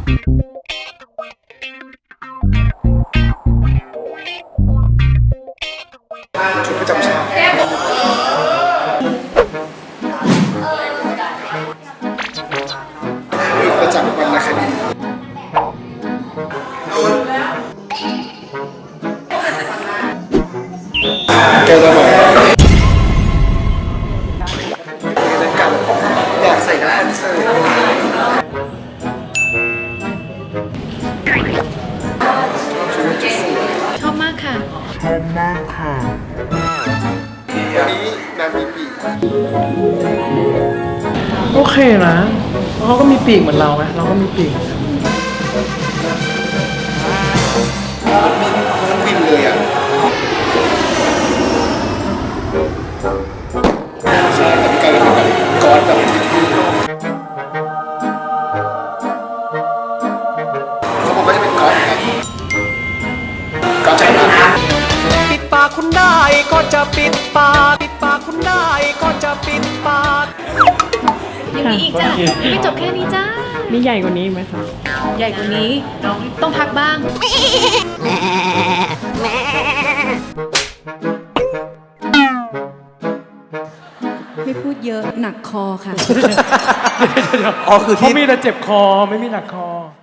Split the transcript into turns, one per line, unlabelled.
ชุดประจำชาติประจำวรรณคดีแกจะบอกอยากใส่น้ำคอนเสิร์ต
ชอบมากค่ะ
วันนี้นางมีปีก
โอเคนะเขาก็มีปีกเหมือนเราไงเราก็มีปีก
ทั้งบินเลยอ่ะใช่แต่พี่กลายเป็นแบบก้อนแบบเขาบอกว่าจะเป็นก้อนกันก้อนใจมาก
ปิดปากคุณได้ก็จะปิดปากปิดปากคุณได้ก็จะปิดปาก
ยังมีอีกจ้ะไม่จบแค่นี้จ้า
มีใหญ่กว่านี้ไหมคะ
ใหญ่กว่านี้ต้องพักบ้าง
ไม่พูดเยอะหนักคอค่ะ
อ๋อคือที่เขามีแต่เจ็บคอไม่มีหนักคอ